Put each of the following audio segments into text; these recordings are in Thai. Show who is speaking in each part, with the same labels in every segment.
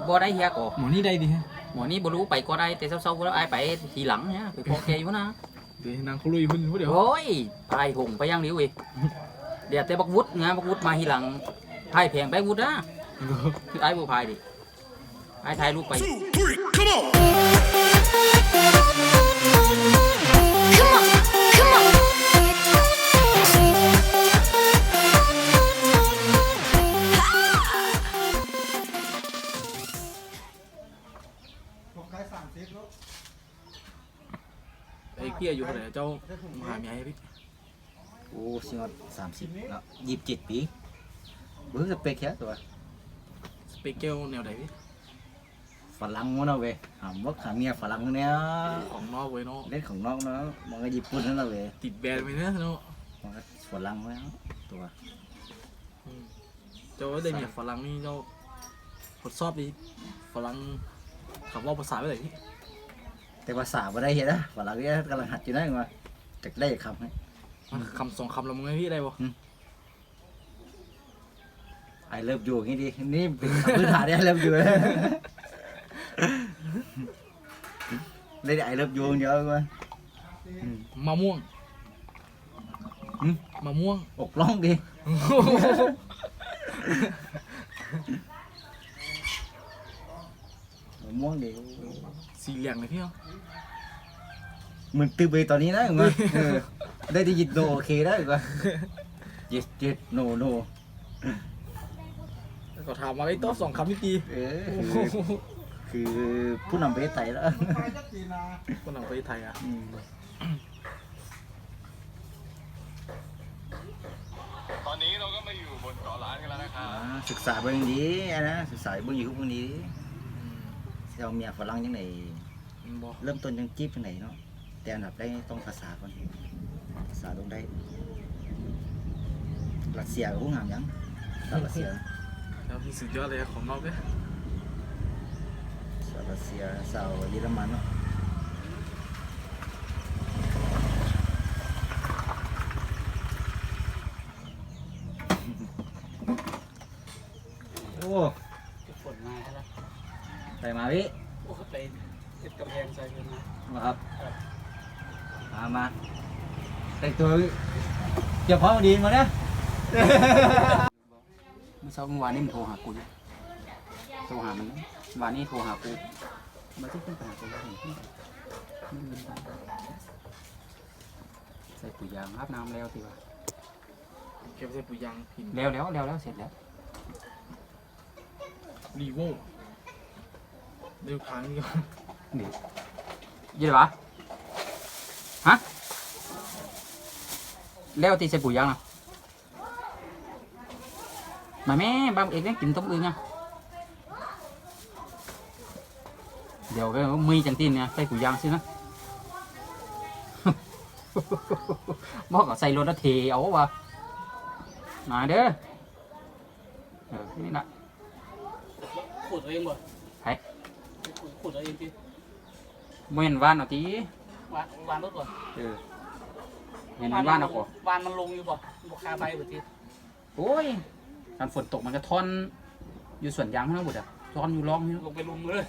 Speaker 1: บ่ได้เฮียก็
Speaker 2: หมอนี่ได้ดิฮะ
Speaker 1: หมอนี้บ่รู้ไปก็ได้แต่เศร้าๆแล้วไอ้ไปทีหลังเนี่ยไปพอแกอยู่นะ
Speaker 2: เดี๋ยวนางเขาลุยหุ่นผู้เดียว
Speaker 1: โอ้ยไอ้หงไปย่างเดียวอีกเดี๋ยวแต่บักวุฒิงานบักวุฒิมาทีหลังพายแพงไปวุฒินะคือไอ้บ่พายดิไอ้ถ่ายรูปไป
Speaker 2: ไอ้เกี้ยอยู่เท่าไหร่เจ้ามาหาเมียให้พี่
Speaker 3: โอ้สิง30เนาะ27 ปีเบิ่งสเปคแค่ตัว
Speaker 2: สเปกเกลแนวไหนพี่
Speaker 3: ฝรั่งวะเนาะเว้ยหามว่าขาเมียฝรั่งเนี่ย
Speaker 2: ของนอกเว้ยเนาะ
Speaker 3: เล่นของนอกเนาะมองก็ญี่ปุ่นนั่นแหละเว้ย
Speaker 2: ติดแบรนด์ไปเนาะเนาะ
Speaker 3: มองก็ฝรั่งแล้วตัว
Speaker 2: เจ้าได้เมียฝรั่งนี่เจ้าทดสอบดิฝรั่งคำว่าภาษาไปไหนพี่
Speaker 3: แต่ภาษาบ่ได้เฮ็ดนะฝรั่งเนี่ยกำลังหัดอยู่นั่นว่าจักได้คำให้
Speaker 2: คำ2 คำแล้วมึงให้พี่ได้บ่
Speaker 3: ไอเลิฟอยู่งี้ดินี่เป็นคำพื้นฐานเนี่ยไอเลิฟอยู่เลยไอเลิฟอยู่เดียวก่อน
Speaker 2: มะม่วงมะม่วง
Speaker 3: อกร้องดิมะม่วงดิ
Speaker 2: สีเหลืองเลยพี่เนาะ
Speaker 3: มึงตื่นไปตอนนี้นะมึงได้ยินโนโอเคได้ก่อนyes no no
Speaker 2: ก็ถามมาไอ้ต๊อบ2 คำพี่ตี
Speaker 3: คือผู้นำประเทศไทยแล้ว
Speaker 2: คนหนังประเทศไทยอ่ะ
Speaker 4: ตอนนี้เราก็มาอยู่บนเกาะล้านกันแล้วนะครับ
Speaker 3: ศึกษาเบื้องนี้นะศึกษาเบื้องอยู่เบื้องนี้เราเมียฝรั่งยังไงเริ่มต้นยังจีบยังไงเนาะแต่อันดับแรกต้องภาษาก่อนภาษาต้องได้รัสเซียกับผู้งามยังรัสเซีย
Speaker 2: แล้วพี่สุดยอดเลยของนอกเลย
Speaker 3: สาวรัสเซียสาวเยอรมันเนาะโอ้
Speaker 1: ฝนมาแล้ว
Speaker 3: ไปมาพี่
Speaker 1: โอ้ไปติดกำแพงใส่เงิน
Speaker 3: มาครับมาแต่งตัวเกี่ยวพร้อมดีมาเนี่ย
Speaker 1: เมื่อเช้าเมื่อวานนี้มันโทรหากูโทรหามันวันนี้โทรหากูมาที่ขึ้นไปหากูใส่ปุ๋ยยางอาบน้ำแล้วสิวะ
Speaker 2: เก็บใส่ปุ๋ยยางหิน
Speaker 1: แล้วเสร็จแล้ว
Speaker 2: รีโวเดี๋ยวพังนี่ก่อน
Speaker 1: นี่ยี่หรอฮะแล้วตีใส่ปุ๋ยยางนะmà mấy ba em kiếm tống ương nha điều cái mi chẳng tin nè tay của giang xin á bó cả xây luôn đó thì ấu vào này đấy cái này
Speaker 5: khụt ở em rồi
Speaker 1: thấy
Speaker 5: khụt ở em chứ
Speaker 1: nguyên van nó tí
Speaker 5: van tốt rồi
Speaker 1: nguyên van nó của
Speaker 5: vanมันลงอยู่ป่ะบอกคาใบแบบที่
Speaker 1: โอ้ยตอนฝนตกมันจะท่อนอยู่ส่วนยางทั้งหมดอ่ะท่อนอยู่ร่องนี่
Speaker 5: ลงไปลุมเลย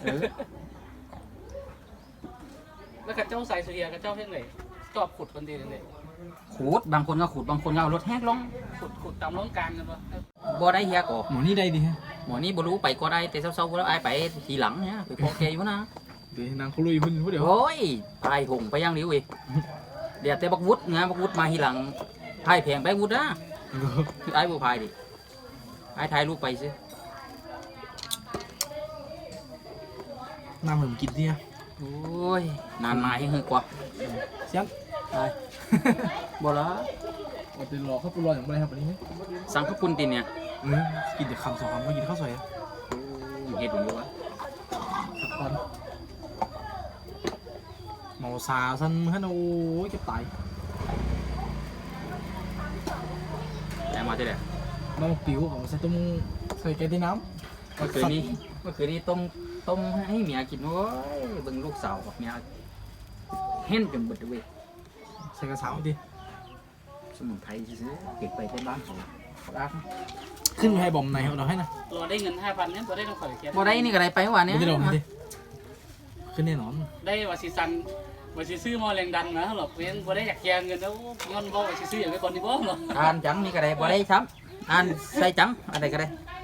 Speaker 5: แล้วกับเจ้าใส่เสียกับเจ้าเพ่งไหนชอบขุดคนดีเลย
Speaker 1: ขุดบางคนก็ขุดบางคนก็เอารถแฮกลง
Speaker 5: ขุดตามร่องกลางกันวะ
Speaker 1: บ่ได้เฮียก็
Speaker 2: หมอนี่ได้ดิฮะ
Speaker 1: หมอนี่บ่รู้ไปก็ได้แต่เศร้าๆแล้วไอ้ไปทีหลังเนี่ยไปพอแกอยู่นะ
Speaker 2: เดี๋ยวนางเขาลุยหุ่นผู้เดียว
Speaker 1: โอ้ยไอ้หงไปย่างเดียวอีกเดี๋ยวแต่บักวุฒิงานบักวุฒิมาทีหลังพายแพงไปวุฒินะคือไอ้บ่พายดิไอ้ถ่ายรูปไปสิ
Speaker 2: น้ำเหมือนกินเนี่ย
Speaker 1: โอ้ยนานมาให้เฮกว่า
Speaker 2: เสียง
Speaker 1: ไปบ่ละ
Speaker 2: เอาไปรอข้าวปุ้นรออย่างไรครับวันนี้
Speaker 1: สั่งข้าวปุ้นตินเนี่ย
Speaker 2: กินแต่คำ2 คำก็กินข้าวสวย
Speaker 1: เฮ็ดอยู่วะ
Speaker 2: ตอนเมาซาสั้นฮะโอ้ยจะตาย
Speaker 1: แต่มาที่ไหน
Speaker 2: น้องปิ๋วของใส่ต้มใส่แกงที่น้ำ
Speaker 1: เมื่อคืนนี้ต้มให้เมียกินโอ้ยเบิ่งลูกสาวกับเมียเห็นจนเบิดเว้ย
Speaker 2: ใส่กระเช้าดิ
Speaker 1: สมุนไพรซื้อเก็บไปที่บ้านของรัก
Speaker 2: ขึ้นให้บอมไหนเอาให้นะ
Speaker 5: รอได้เงิน5,000เนี่ยบ่ได้ต้องข่อยแก
Speaker 1: บ่ได้นี่ก็ได้ไปเมื่อวานเนี้
Speaker 2: ไม่ได้ลงดิขึ้นแน่นอน
Speaker 5: ได้ว่าสิซันว่าสิซื้อมอแรงดันนะหรอกเพียงบ่ได้อยากแกงเงินแล้วย้อนบ่ว่าสิซื้ออย่างไปก่อนนี่บ่หรอก
Speaker 1: อ่านจังนี่ก็ได้บ่ได้ซ้ำอ่านใส่จังอะไรก็ได้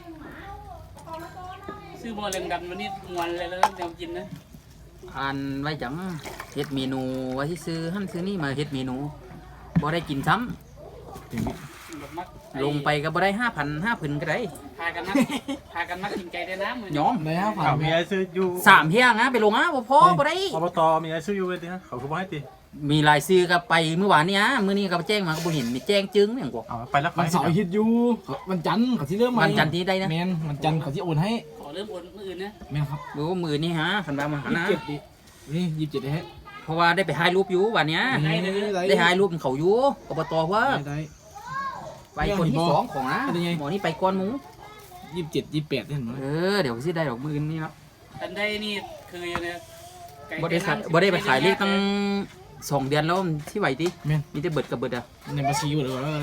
Speaker 5: ซื้อมอแรงดันวันนี้มวนเลยแล้วแนวกินนะ
Speaker 1: อ่านไว้จังเฮ็ดเมนูไว้ที่ซื้อหั่นซื้อนี่มาเฮ็ดเมนูบ่ได้กินซ้
Speaker 5: แบบมัก
Speaker 1: ำลงไปก็บ่ได้5,000ก็ได้
Speaker 5: พากันมักกินไก่ได้น้ำมื้อ
Speaker 1: ย้อม
Speaker 2: ไหนฮะผ่า
Speaker 6: ข่าน วมีไอ้ซื้ออยู่
Speaker 1: 3เที่ยงนะไปลงอ่ะบ่พอบ่ได้
Speaker 6: อบตมีไอ้ซื้ออยู่เว้ยติฮะเขาคือบ่ให้ติ
Speaker 1: มีรายซื้อก็ไปเมื่อวานนี้อ่ะมื้อนี้ก็แจ้งมาก็บ่เห็นมีแจ้งจึงอย่างกว่า
Speaker 6: เอาไปแล้ว
Speaker 2: วันเสาร์อาทิตย์อยู่วันจันทร์เขาที่เริ่มใหม่
Speaker 1: วันจันทร์ที่ได้นะ
Speaker 2: แมนวันจันทร์เขาที่โอนให้
Speaker 5: ขอเริ่มโอนมื้ออื่นนะ
Speaker 2: แมนครับ
Speaker 1: บ่ว่ามื้อนี้ฮะคันว่ามาหานะ
Speaker 2: 27ดินี่27ได้ฮะ
Speaker 1: เพราะว่าได้ไปถ่ายรูปอยู่วันเนี้ย
Speaker 2: ได้
Speaker 1: ได้ถ่ายรูปเขาอยู่อบตว่า
Speaker 2: ได้
Speaker 1: ไปคนที่สองของนะ
Speaker 2: เป็นไง
Speaker 1: หมอนี่ไปก่อนหมู
Speaker 2: 27 28เห็นไหม
Speaker 1: เดี๋ยวสิได้ดอกมื้อนี้เนาะ
Speaker 5: อันได้นี่คืออยู่ในไก่
Speaker 1: บ่ได้ขายบ่ได้ไปขายเลขตั้ง2 เดือนแล้วที่ไหวติ
Speaker 2: แมน
Speaker 1: มีแต่เบิดกับเบิดอ่ะ
Speaker 2: ในบัญชีหมดเลยว่าอะไร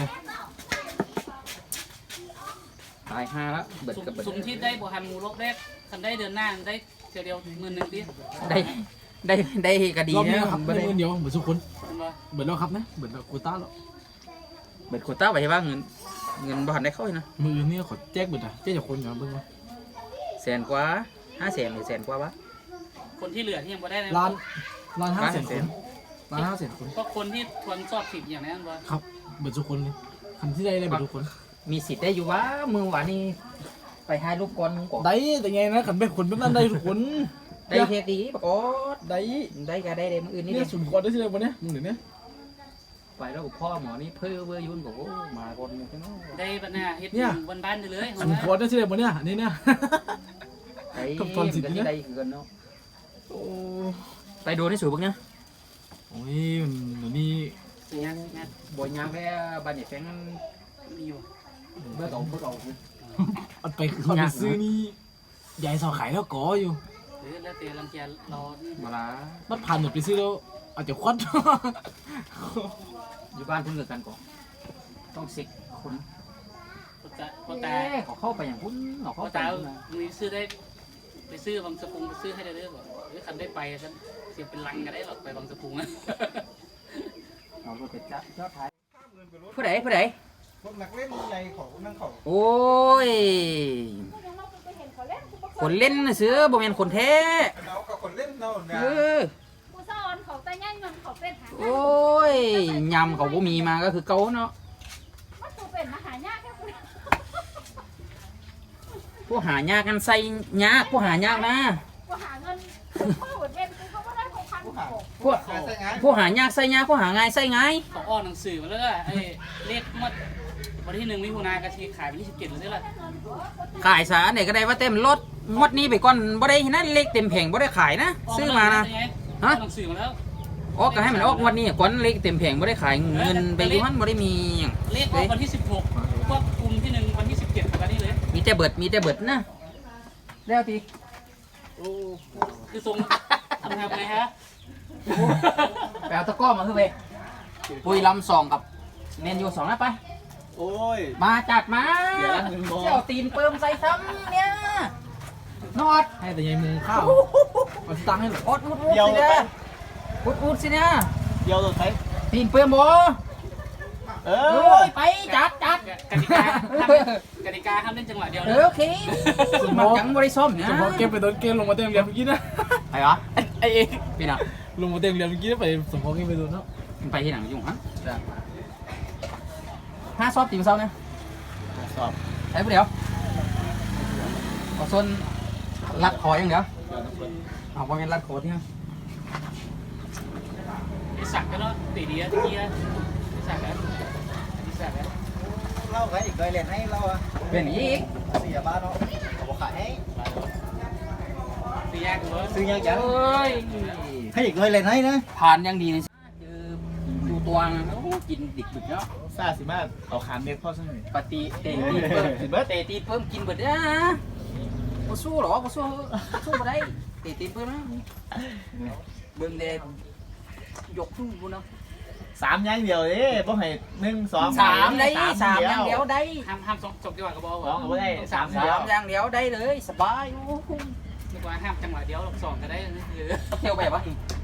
Speaker 1: ตาย5แล้วเบิดกับเบิด
Speaker 5: สุ่มที่ได้บ่ทันหมู่รอบแรกคันได้เดือนหน้าได้เดียว10,000ดิ
Speaker 1: ได้ก็ดี
Speaker 2: รอบนี้
Speaker 1: นะครับ บ่
Speaker 2: ได้
Speaker 1: ได้
Speaker 2: เงินเดียวเหมือนทุกคน
Speaker 5: เห็นบ่
Speaker 2: เบิดแล้วครับนะเบิดแล้วโควต้าแล้ว
Speaker 1: เบิดโควต้าไว้ให้ว่าเงินบ่ทันได้เข้าเลยนะ
Speaker 2: มือเนี่ยขอแจกเบิดอ่ะแจกจากคนอย่างเบิ่งว่า
Speaker 1: แสนกว่า500,000หรือแสนกว่าวะ
Speaker 5: คนที่เหลือที่ยังบ่ได้นะ
Speaker 2: ล้าน500,000 คนล้าน500,000 คน
Speaker 5: ก็คนที่ทวนสอบผิดอย่างนั้นบ่
Speaker 2: ครับเบิดทุกคนเลยคันที่ได้เบิดทุกคน
Speaker 1: มีสิทธิ์ได้อยู่วะมื้อวานนี้ไปถ่ายรูปก่อนหมูก่อน
Speaker 2: ได้แต่ไงนะขันเป็นคนแบบนั้นได้ทุกคน
Speaker 1: ได้เฮ็ดดีปะกอด
Speaker 2: ได้
Speaker 1: ได้ก็ได้มื้ออื่นนี่
Speaker 2: นี่
Speaker 1: ดิ
Speaker 2: สุ่มก่อนได้ที่ไหนวะเนี่ยมึงเดี๋ยวนี้
Speaker 1: ไปแล้วพ่อหมอนี่เพ้อเว้อยุ่นบอกโอ้มาก่อนหมู่กันเนาะ
Speaker 5: ได้ปัญหาเฮ็ดบ้านๆเลย
Speaker 2: สุ่มก่อนได้ที่ไหนวะเนี่ยอันนี้เนี่ย
Speaker 1: ไอ้
Speaker 2: กับตอนสิทธิ์
Speaker 1: มัน
Speaker 2: นี่
Speaker 1: ก็
Speaker 2: นะ
Speaker 1: ได้คือกันเนาะ
Speaker 2: โอ้
Speaker 1: ไปโดนให้สูบเนี่ย
Speaker 2: โอ้ยมันเดี๋ยวนี้
Speaker 5: งานงาน
Speaker 1: บ่ยางแค่บ้านเนี่ยแฟง
Speaker 5: มีอยู่
Speaker 1: เบื่อเก่าคือ
Speaker 2: อันไปคือเขาไปซื้อนี่ยายสอขายแล้วก่ออยู่
Speaker 5: หรือแล้วแต่ลังเกียจรอ
Speaker 1: มาละ
Speaker 2: มันผ่านหมดไปซื้อแล้วอาจจะควัด
Speaker 1: อยู่บ้านเพิ่งเกิดกันก่อนต้องเซ็กคน
Speaker 5: พอตา
Speaker 1: เขาเข้าไปอย่างพุ่นเขา
Speaker 5: พอ
Speaker 1: เข้าไป
Speaker 5: ตามีซื้อได้ไปซื้อบางสะพุงไปซื้อให้ได้เด้อบ่หรือคันได้ไปฉันเสียเป็นลังก็ได้หรอกไปบางสะพุงนะ
Speaker 1: เอารถไปจับยอดท้ายผู้ใด
Speaker 6: พวกนักเล่นใหญ่ของนั่งเขา
Speaker 1: โอ้ยคนเล่นน่ะซื้อบ่แม่นคนแท้
Speaker 6: เรากับคนเล่นเนาะ
Speaker 1: เออ
Speaker 7: ผู้สอนเขาแต่ย่างเงินเขาเป็นหา
Speaker 1: โอ้ยยำเขาบ่มีมาก็คือเก่าเนาะ
Speaker 7: มันตัวเป็นมหายากแค่คุณ
Speaker 1: ผู้หายากกันใส่ยากผู้หายากนะ
Speaker 7: กูหาเงินพ่อหมดเว้นกูก็ไม่ได้ของพันของ
Speaker 1: ผู้หายากใส่ยากผู้หาง่ายใส่ง่าย
Speaker 5: เขาอ้อนหนังสือมาแล้วก็ไอ้เลขงวดวันที่1มิถุนายนกะทีขายวันที่17เลยล่ะ
Speaker 1: ขายสาไหนก็ได้ว่าเต็มรถงวดนี้ไปก่อนบ่ได้นะเลขเต็มแผงบ่ได้ขายนะซื้อมานะ
Speaker 5: ฮะหนังสือมาแล้ว
Speaker 1: ออกก็ให้มันออกงวดนี้ก่อนเลขเต็มแผงบ่ได้ขายเงินไปอยู่มันบ่ได้มีหยัง
Speaker 5: เลขออกวันที่16ควบคุมที่1วันที่17กับวันนี้เลย
Speaker 1: มีแต่เบิดนะแล้วที
Speaker 5: คือทรงทำไงฮะ
Speaker 1: ไปเอาตะกร้อมาคือไปปุยลำ2กับแมนยู2นะไป
Speaker 2: โอ้ย
Speaker 1: มาจัดมา
Speaker 2: เดี๋ยวนะมึงบอก
Speaker 1: เจ้าตีนเปิมใส่ซ้ำเนี่ยนอด
Speaker 2: ให้แต่ยายมุงข้าวเอาตังค์ให้หรอ
Speaker 1: อดอุดสิเนี่ยอุดสิเนี่ย
Speaker 2: เดียวตัวใช้
Speaker 1: ตีนเปิมบ่
Speaker 2: เอ
Speaker 1: โอ้ยไปจัด
Speaker 5: กติกาห้ามเล่นจังหวะเดียว
Speaker 1: โอเคมันจังบริส้มเนี่ย
Speaker 2: เฉพาะเกมไปโดนเกมลงมาเต็มเรียนเมื่อกี้นะ
Speaker 1: ไปวะ
Speaker 2: ไอเอง
Speaker 1: พี่น่ะ
Speaker 2: ลงมาเต็มเรียนเมื่อกี้ไปสมพงษ์ไปโดนเนาะ
Speaker 1: ไปที่หนังยุ่งฮะห้าซอบตีมเศร้าเนี่ย
Speaker 2: สอบ
Speaker 1: ไอ้ผู้เดียวเอาส่วนรัดคออย่างเดียวเอาว่าเป็นรัดคอที่ฮะ
Speaker 5: ไอ้สักก็เนาะตีดีอะตะกี้อะไอ้สักอะไอ้สักอะ
Speaker 3: เล่าใครอีกเคยเล่นให้เราอะ
Speaker 1: เป็นอีก
Speaker 3: เสียบ้านเนาะเขาบอกขายให้
Speaker 5: ตียากเหรอ
Speaker 3: ซื้อยังจัง
Speaker 1: เอ้ย
Speaker 3: ให้อีกเคยเล่นให้นะ
Speaker 1: ผ่านยังดีเลยคือดูตัวนะโอ้กินดิบๆเนาะ
Speaker 2: ซาสิมาเอาขานเม็ดพ่อซะหน่อย
Speaker 1: ปฏิเตะตีเพิ่มเตะตีเพิ่มกินเบิดนะบ่สู้หรอบ่สู้บ่ได้เตะตีเพิ่มนะเบิ่งเดยกขึ้นบุญเนาะ
Speaker 8: 3อย่างเดียวเด้บ่ให้1 2
Speaker 1: 3ได้3อย่างเดียวได้
Speaker 5: ห้ามสองจังหวะก็บอก
Speaker 8: สองก็บ่ได้3
Speaker 1: 3อย่างเดียวได้เลยสบายโอ้โห
Speaker 5: นึกว่าห้ามจังหวะเดียวสองก็ได้หรือ
Speaker 1: เที่ยวแบบว่า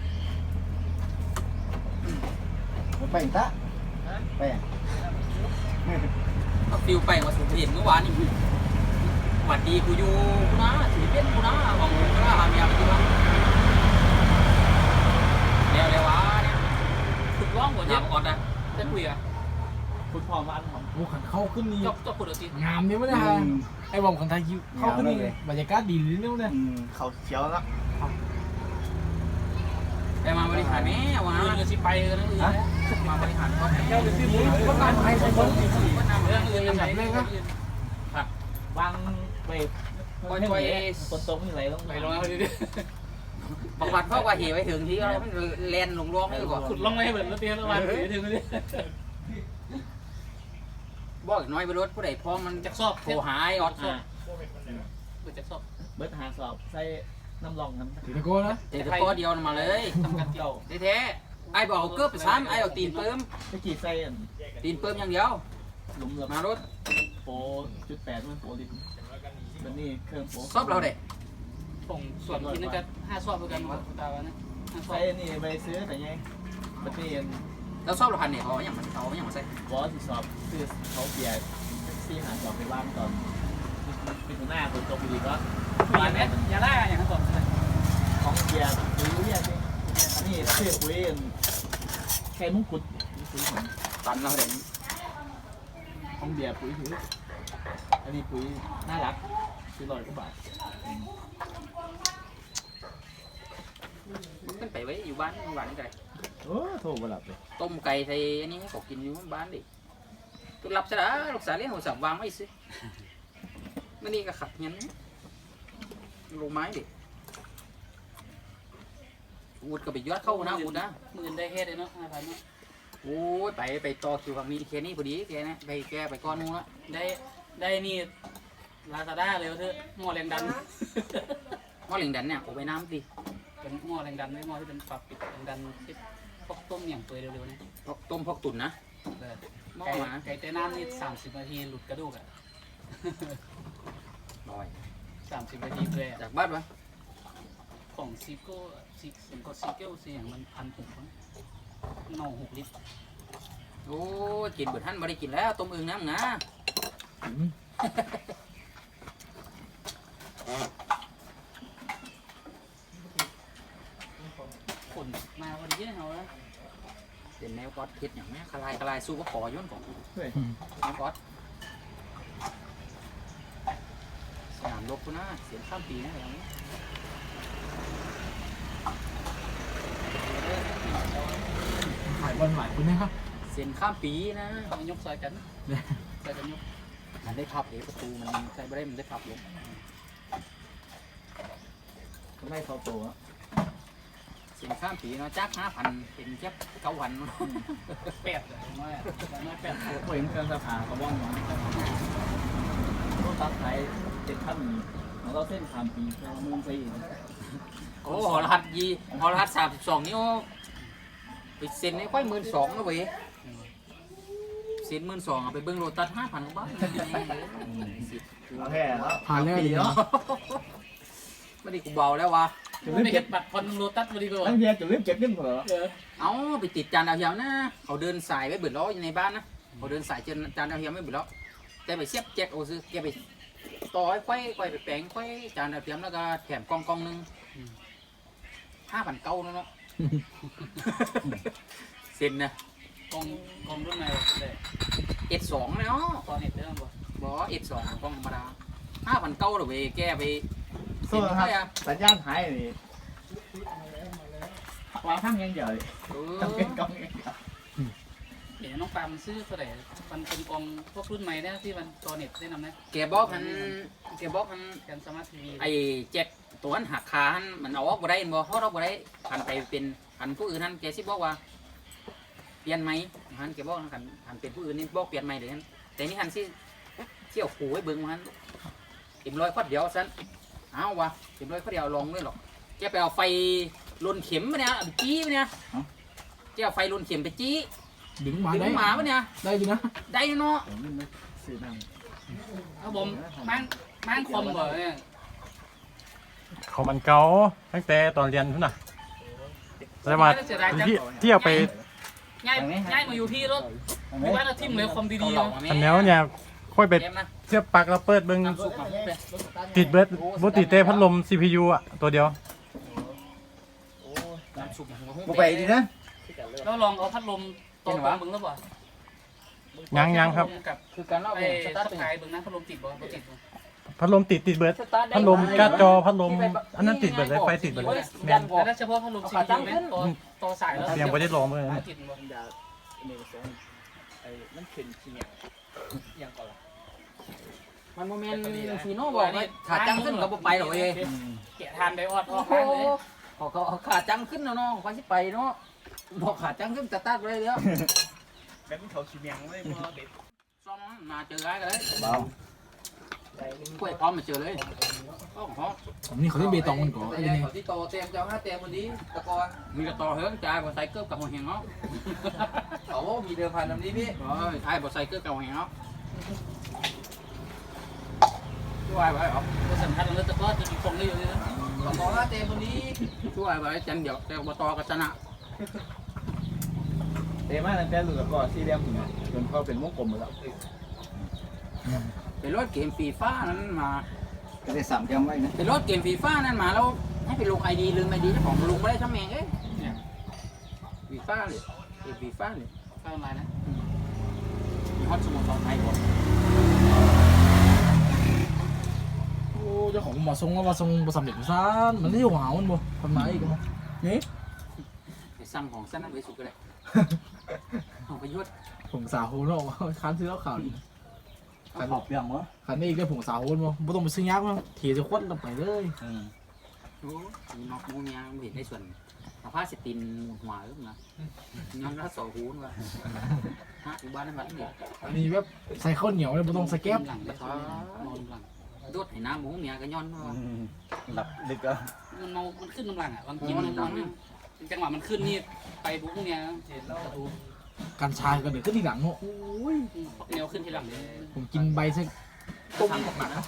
Speaker 3: ไปตะไป
Speaker 1: ฟิวไปมาสุเห็นเมื่อวานนี่หวัดดีกูอยู่กูนะถือเป็นกูนะมองกูนะหาเมียไปดูนะเร็ววะเนี่ย
Speaker 5: ฝึกร้องหัวเยอะ
Speaker 1: น้ำก่อนนะ
Speaker 5: ได้คุยอ่ะ
Speaker 8: ฟุตพร้อมอันของ
Speaker 6: โอ้ขันเข้าขึ้นนี่
Speaker 5: จบพูดเอาสิ
Speaker 6: งามนี่มั้ยนะไอ้บอมขันไทยเข้าขึ้นนี่บรรยากาศดีเลยเนี่ย
Speaker 8: เขาเขียวแล้ว
Speaker 1: ไปมาบริหารแม่วะ
Speaker 5: เงินสิไปกันนั่นเอง
Speaker 1: มาบริหารก็
Speaker 6: เจ้าจะซื้อหมูก็ตามไปใส่บนสี
Speaker 5: เรื่องอื่นไหน
Speaker 8: วางไปฝนตกนี่ไหลลง
Speaker 5: ไปลงเอาดิ
Speaker 1: บางวันเพราะว่าเหตุไปถึงที่เราแลนลงร่องเลยก่อน
Speaker 5: ขุดลงไม่ให้เหมือนแล้วเตี้ยแล้ววันถึงเลย
Speaker 1: บอกน้อยไปรถผู้ใดพร้อมมันจะสอบโผหายออดสอบ
Speaker 5: จะสอบ
Speaker 8: เบิดหาสอบใส่น้ำรองน้ำ
Speaker 6: ถือตะโกนนะ
Speaker 1: เตะก้อเดียวมาเลย
Speaker 5: ทำกันเกี่ยว
Speaker 1: แท้ไอ้บอกเกือบไปซ้ำไอ้เอาตีนเพิ่ม
Speaker 8: ตะกี้ใส่
Speaker 1: ตีนเพิ่มอย่างเดียว
Speaker 8: หลุม
Speaker 1: มารถ
Speaker 8: โป.8มันโปลิตเป็นนี่เครื่องโป
Speaker 1: สอบเราเด็
Speaker 5: ส่งส่วนที่นั่นก็5สอบเหมือนกันตาวนะ5สอ
Speaker 8: ใส่
Speaker 5: บ
Speaker 8: นี่ไปซื้อแต่ไงประเทศ
Speaker 1: แล้วสอบเราพันเนี่ยเขาอย่างมันเขาอย่างมันใส่
Speaker 8: บอสที่สอบคือเขาเปลี่ยนที่หาสอบไปว่างตอนเป็นหน้าคนตกดีก็
Speaker 5: มีไหมอย่าล่าอย่างนั้นก่อน
Speaker 8: ของเบียร์ปุ๋ยเนี่ยสิอันนี้คือปุ๋ยแค่มุ้งกุดปุ๋ยของ
Speaker 1: ตันเราเด็
Speaker 8: ของเบียร์ปุ๋ยถืออันนี้ปุ๋ยน่ารักคือ100 กว่าบาท
Speaker 1: ขึ้นไปไว้อยู่บ้านหวานไก่
Speaker 8: โอ้โทรมาหลับเลย
Speaker 1: ต้มไก่ใส่อันนี้เขากินอยู่บ้านดิตัวหลับซะละลูกสาวเลี้ยงหัวสับวางไว้สินั่นนี่ก็ขัดเงี้ยลงไม้ดิอูดก็ไปยอดเข้านะอูดนะ
Speaker 5: มือได้เฮ็ดเลยเนาะ5,000เนาะ
Speaker 1: โอ้ยไปต่อคิวฝั่งนี้แค่นี้พอดีแกนะไปก้อนนู้นละ
Speaker 5: ได้นี่ลาซาด้าเลยเถอะหม้อแรงดัน
Speaker 1: หม้อเหลียงดันเนี่ยโอ้ไปน้ำดิ
Speaker 5: เป็นหม้อแรงดันไม่หม้อที่เป็นปรับปิดแรงดันที่พวกต้มอย่างเปื่อยเร็วๆนะ
Speaker 1: พวกต้มพวกตุ๋นนะหม้อ
Speaker 5: ไก่
Speaker 1: มา
Speaker 5: ไก่เต้น้ำนี่30 นาทีหลุดกระดูกอ่ะ
Speaker 1: ลอย
Speaker 5: 30 นาทีเลยอ่ะ
Speaker 1: จากบ้านวะ
Speaker 5: ของซิโก้ซิเกิลเสียงมัน1,600หน่อ6 ลิตร
Speaker 1: โอ้ยกินเบิดท่านไม่ได้กินแล้วต้มอึ่งน้ำงา
Speaker 5: ฝนมาวันนี้เอาแล้ว
Speaker 1: เป็นแนวก๊อตคิดอย่างนี้คลายสู้ก็ขอย้อนของ
Speaker 8: เฮ้ย
Speaker 1: แนวก๊อตสนามรบกูนะเสียงข้ามปีนะอย่างนี้
Speaker 6: ขายบอลหมายคุณนะครับ
Speaker 1: เสียงข้ามปีนะ
Speaker 5: เอายกซอยกันซอยกันยก
Speaker 1: มันได้พับเดี๋ยวประตูมันใส่ไม่ได้มันได้พับลง
Speaker 8: ไม่เข้าตัว
Speaker 1: เสียงข้ามปีเนาะจัก5,000เป็นเจ็บ9,000
Speaker 5: 8เลยน้อย8
Speaker 8: ผมเห็นเครื่องสภาเขาบ้องมันต้องตัดไทย7 ขั้นของเราเส้น3 ปีเรามึงไปอีก
Speaker 1: โอ้หอรหัสหอรหัส32นี่โอ้ไปเซ็นไอ้ค่อย12,000นะเว้ยเซ็น12,000เอาไปเบิ้งโลตัส5,000กว่าบาท
Speaker 8: โอเคแล้ว
Speaker 6: ผ่านแล้ว
Speaker 8: ปีเนาะ
Speaker 1: ไม่ได้กูเบาแล้ววะ
Speaker 5: ไม่เก็บบัตรคอนโลตัสมาดีกว่า
Speaker 8: ตั้งเดียวจะรีบเก็บเงินเหรอ
Speaker 1: เอาไปติดจานดาวเทียมนะเขาเดินสายไว้เบิดล้ออยู่ในบ้านนะเขาเดินสายจานดาวเทียมไว้เบิดล้อแต่ไปเสียบแจ็คโอ้ซื้อแกไปต่อไอ้ควายไปแปลงควายจานดาวเทียมแล้วก็แถมกล่องนึง5,900นั่นเนาะเซ็นนะ
Speaker 5: กองรุ่นไหนเลย
Speaker 1: S2 เนาะ
Speaker 5: ตอนเน็ตได้บ่
Speaker 1: บอ S2 กล่องธรรมดา5,900หรือเว้ยแกไป
Speaker 8: โซ่ครับสัญญาณหายนี่วางทั้งยังเดียวจำเป็นกองยังเดียว
Speaker 5: เดี๋ยวน้องปามันซื้อเท่าไหร่มันเป็นกองพวกรุ่นใหม่นะที่มันตอนเน็ตได้นำนะ
Speaker 1: แกบอกมัน
Speaker 5: กันสมาร์ททีวี
Speaker 1: ไอ้แจ็คตัวนั้นหักขาหันมันเอาออกบ่ได้บ่เขาเอาบ่ได้หันไปเป็นหันผู้อื่นหันแกสิบอกว่าเปลี่ยนไหมหันแกบอกหันเป็นผู้อื่นนี่บอกเปลี่ยนไหมเดี๋ยวนั้นแต่นี่หันสิเที่ยวขู่ไว้เบิ่งมันเต็มร้อยข้อเดียวซันเอาวะเต็มร้อยข้อเดียวลองด้วยหรอกแกไปเอาไฟลนเข็มมาเนี่ยเอาไปจี้มาเนี่ยแกจ้าไฟลุนเข็มไปจี้
Speaker 6: ดึงมา
Speaker 1: ดึ
Speaker 6: ได้
Speaker 1: งหมาปะเนี่ย
Speaker 6: ได้อยู่นะ
Speaker 1: ได้เนาะ
Speaker 8: ผมนี่มันซื้อน้
Speaker 5: ครับผมมั่งคมบ่เนี่ย
Speaker 9: เขามันเก่าตั้งแต่ตอนเรียนพุ่นน่ะแต่ว่าที่เอาไป
Speaker 5: ง่ายมาอยู่พี่รถอยู่บ้านเราทิ่มเลยคมดีๆ
Speaker 1: หลอ
Speaker 5: เนาะ
Speaker 1: ก
Speaker 9: อันแล้วเนี่ยค่อยไป
Speaker 1: เต็มนะ
Speaker 9: เทียบปลั๊กแล้วเปิดเบิ่ง
Speaker 1: น้ำซุปมาเป็น
Speaker 9: ติดเบิดบ่ติดแต่พัดลม CPU อ่ะตัวเดียว
Speaker 1: น้ำซุปหัว
Speaker 3: บ่ไปดีนะ
Speaker 5: แล้วลองเอาพัดลมตัวมึงแล้วบ่
Speaker 9: ยังครับ
Speaker 5: กับ
Speaker 1: คือการเล่า
Speaker 5: ไอ้
Speaker 1: ส
Speaker 5: ส
Speaker 1: ตาร์ท
Speaker 5: กายเบิ่งนะพัดลมติดบ่ติด
Speaker 9: พัดลมติดเบิดพัดลมการ์ดจอพัดลมอันนั้นติดเบิดเลยไฟติดเบิดเลยแม่น
Speaker 5: แล้วเฉพาะพัดลม CPU เนี่ยต่อสายแล้ว
Speaker 9: ยังบ่ได้ลองเลย
Speaker 5: ติดบ่
Speaker 8: ำยาเมลสองไอ้มันเป็นขี้เหนียวยังก่อนละ
Speaker 1: มันโมเมนต์ฟีโน่บอกว่าขาจังขึ้นก็บ่ไปหรอกเอ้ย
Speaker 5: แกะทานไดออดออก
Speaker 1: โอ้
Speaker 5: ข้าง
Speaker 1: โห
Speaker 5: เลย
Speaker 1: เขาขาจังขึ้นแล้วเนาะเขาสิไปเนาะบอกขาจังขึ้นสตาร์ทไปเลยเดี๋ยว
Speaker 8: แบบมันเขาขี้เหนียวเลยพอเด็ด
Speaker 1: ซ้อมมาเจอกันเลย
Speaker 3: เบาก
Speaker 1: ล้วยพร้อมมาเจอเลยก็พร้อม
Speaker 6: ผมนี่เขาได้เบตองมันก่อนไอ้นี่
Speaker 1: ที่โตเต็มเจ้าห้าเต็มวันนี้ตะกอนมีกระต่อเฮิร์งจ่ายบ่ใส่เกือบกับหัวแหงเนาะ
Speaker 3: โอ้มีเดิมพันลำนี้พี่
Speaker 1: โอ้ยไอ้บ่ใส่เกือบกับหัวแหงเนาะช่วยไว้เหรอ
Speaker 5: สำคัญเลยแต่ก็จะมีคงได้อยู่เลยนะ
Speaker 1: ตะกอนห้าเต็มวันนี้ช่วยไว้จังเดี๋ยวแต่บ่ต่อก็ชนะ
Speaker 8: เตะมากตั้งแต่หลุดแล้วก็สี่เหลี่ยมถึงจนเขาเป็นวงกลมหมดแล้ว
Speaker 1: เป็นรถเกมฟีฟ่านั้นมา
Speaker 3: ก็ได้3เตรียมไว้นะ
Speaker 1: เป็นรถเกมฟีฟ่านั่นมาแล้วให้ไปลงไอดีลืมไอดีเจ้าของลงไม่ได้ทั้งแมงเอ้ยฟีฟ่าเลยเกมฟีฟ่าเลย
Speaker 5: ข้างไรนะ
Speaker 1: มีฮอตสมุนไพรหมด
Speaker 6: โอ้เจ้าของมาทรงว่าทรงประสำเร็จซ่านมันไม่หวาวมันบ่คนมาอีกมั้งนี่
Speaker 1: ไปสั่งของสั้นนั้นไปสุกเลยของประยุทธ์
Speaker 6: ผงสาโฮนออกมาคันซื้อแล้วข่าวอีก
Speaker 3: ขอบยังวะ
Speaker 6: คันนี้อีกได้ผงสาโฮนบ่บ่ต้องไปซื้อยักษ์มั้งเทจะควัดลงไปเลย
Speaker 1: โอ้มีนอกมูเมียเห็นได้ส่วนเอาผ้าสตินหัวขึ้นมาย้อนแล้วสอหูนว่ะฮะอยู่บ้านนั่นบ้านนี่
Speaker 6: อันนี้แบบใส่ข้าวเหนียวเลยบ่ต้องใส่แก๊บ
Speaker 5: หลังไปนอนหลัง
Speaker 1: โดดให้น้ำหมูเมียก็ย้อนว่า
Speaker 3: หลับดึกก็
Speaker 5: มันเมามันขึ้นน้ำหลังอ่ะบางทีมันจังหวะมันขึ้นนี่ไปปุ๊บเนี่ยเห็นแล้วดู
Speaker 6: กัญชาก็เดี๋ยวขึ้นทีหลังเนาะ
Speaker 5: แนวขึ้นทีหลังเลย
Speaker 6: ผมกินใบซะต้มหนักนะ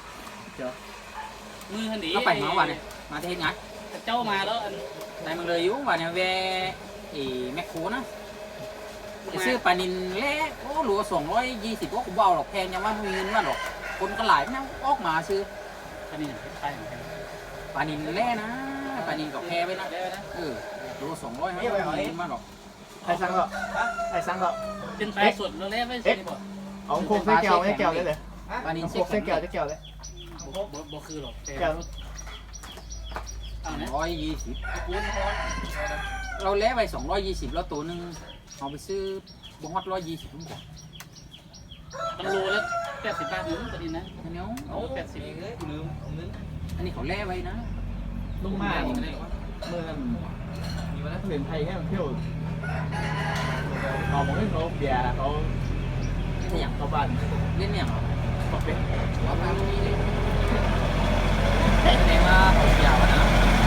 Speaker 5: มือหันดี
Speaker 1: เราไปมาวันเนี่ยมาที่เฮ็ดงาน
Speaker 5: เจ้ามาแล้วอัน
Speaker 1: ได้มันเลยอยู่วันเนี่ยเวแมคโครนะจะซื้อปลานินเล็กโอ้หลัว220ก็กูเบาหรอกแพงยังว่ามีเงินว่าหรอกคนก็หลายนะออกมาซื้อ
Speaker 5: อันนี้ใช่เหมือนกัน
Speaker 1: ปลานินแร่นะปลานินกับแพไว้นะโล200ไม่เอาเงินมาหรอก
Speaker 8: ใครสั่งก็ใครสั่งก็
Speaker 5: เป็นปลาสดแล้วแล่ไม่ใช่บ่
Speaker 8: เอาโคกใส่แก้วให้แก้วได้เลย
Speaker 1: ปลานิน
Speaker 8: โค
Speaker 1: เช็ค
Speaker 8: กใส่แก้วได้แก้วเลย
Speaker 5: บ่คือหรอก
Speaker 8: แก้ว
Speaker 5: เอาเนี่ย
Speaker 1: 120
Speaker 5: ปูนพอ
Speaker 1: เราแล่ไป220แล้วตัวนึงเอาไปซื้อบ่ฮอด120ผมบอก
Speaker 5: มันโลแล้ว80 บาทนึงตัวนี้นะ
Speaker 1: อันนี้
Speaker 5: โอ้80
Speaker 8: ลืม
Speaker 1: อันนี้เขาแล่ไว้นะ
Speaker 8: ลุงมากเมื่อนั้นมีวันนั้นเรียนไทยแค่เที่ยวเขาบอกให้เขาเบียร์เขา
Speaker 1: นี่อย่าง
Speaker 8: เขาบ้าน
Speaker 1: เล่นเนี่ยเหรอ
Speaker 8: บอกเป็น
Speaker 1: ว่าไปนี่เลยแสดงว่าเขาเสียวนะ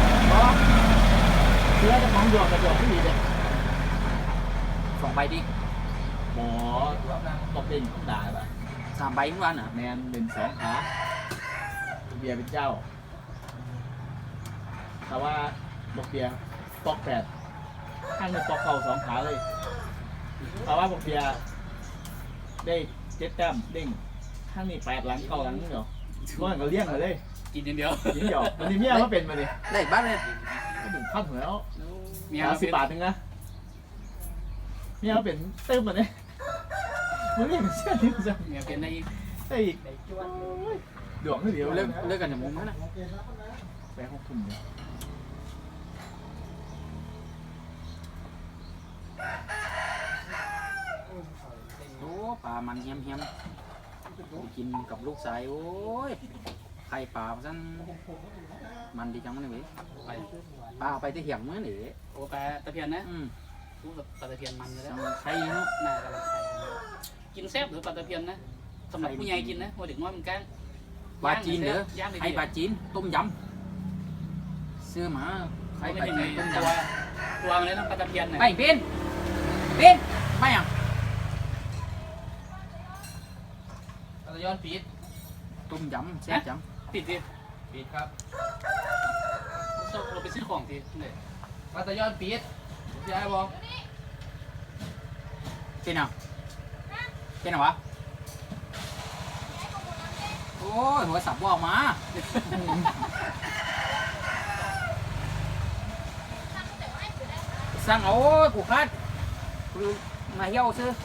Speaker 8: เชื่อจะมองหยอกกระจกที่ดีเลย
Speaker 1: 2ใบดิ
Speaker 8: หมอตบเด่นต้องด่าป่ะ
Speaker 1: 3ใบทุกวันเหรอ
Speaker 8: แมนเป็น2 ขาเบียร์เป็นเจ้าแต่ว่าบอกเบียร์ปอก8ข้างหนึ่งปอกเข่า2 ขาเลยแต่ว่าบอกเบียร์ได้7 แต้มเด้งข้างนี้8 หลัง9 หลังนี่เหรอร้อยก็เลี้ยงมาเลย
Speaker 5: กินอย่างเดียว
Speaker 8: ยิงหยอกมันนี่เมียเขาเป็นมาดิ
Speaker 1: ได้บ้านเลย
Speaker 8: ก็ถึงขั้นหัวแล้ว
Speaker 5: เมีย
Speaker 8: 10 บาทนึงนะเมียเขาเป็นเติมมาเนี่ยมันไม่เป็นเสื้อที่จะ
Speaker 5: เมียเป็นได้อีก
Speaker 8: ได้อีกดวงเดียว
Speaker 1: เลิกกันจากมุมนั้นนะ
Speaker 8: แบงค์6 ทุ่มเนี่ย
Speaker 1: โอ้ปลามันเฮี้ยมกินกับลูกสายโอ้ยไข่ปลาสั้นมันดีจังมันเลยเว้ย
Speaker 5: ไป
Speaker 1: ปลาไปที่เหี่ยงมื้อนี่
Speaker 5: โอ้ปลาตะเพียนนะ
Speaker 1: อืม
Speaker 5: รู้แบบปลาตะเพียนมันเลย
Speaker 1: จั
Speaker 5: นะ
Speaker 1: งไข่เนาะ
Speaker 5: น่ากำลังไข่กินแซ่บหรือปลาตะเพียนนะสำหรับผู้ใหญ่กินนะพอเด็กน้อยมันก้าง
Speaker 1: ปลาจีนเด้อไข่ปลาจีนต้มยำซื้อมาไข่
Speaker 5: ไม่
Speaker 1: ปลา
Speaker 5: เป็น
Speaker 1: จี
Speaker 5: ไง
Speaker 1: นต้ม
Speaker 5: ตัวย
Speaker 1: ำ
Speaker 5: มันเลยนะปลาตะเพียนเนี่ย
Speaker 1: ไปเป็น
Speaker 5: ป
Speaker 1: เป็นไม่ยัง
Speaker 6: เราจะย้อนปีด
Speaker 1: ต้มยำแซ่บจัง
Speaker 5: ปิดดิ
Speaker 6: ปีดครับ
Speaker 5: เราไปซื้อของทีเนี่ย
Speaker 6: เราจะย้อนปีดพี่ไอ้บอก
Speaker 1: เป็นยังเป็นยังวะโอ้ยหัวสับว่าออกมาสั่งเอาผูกพัดมาเที่ยวซื้อ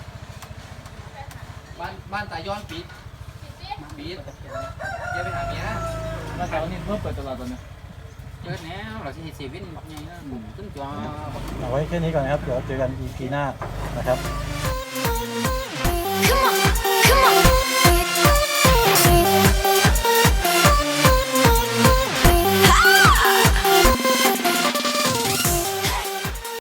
Speaker 6: บ้านตาย้อนปีดปีดอย่าไปหาเมียนะ
Speaker 8: แล้วแต่วันนี้เพิ่มเปิดตลาดตอนนี้
Speaker 1: เกิดแล้วเราจะเห็นเซเว่นแบบไงนะบุ๋มขึ้นจอ
Speaker 9: เอาไว้แค่นี้ก่อนนะครับ เดี๋ยวเจอกัน EP หน้านะครับ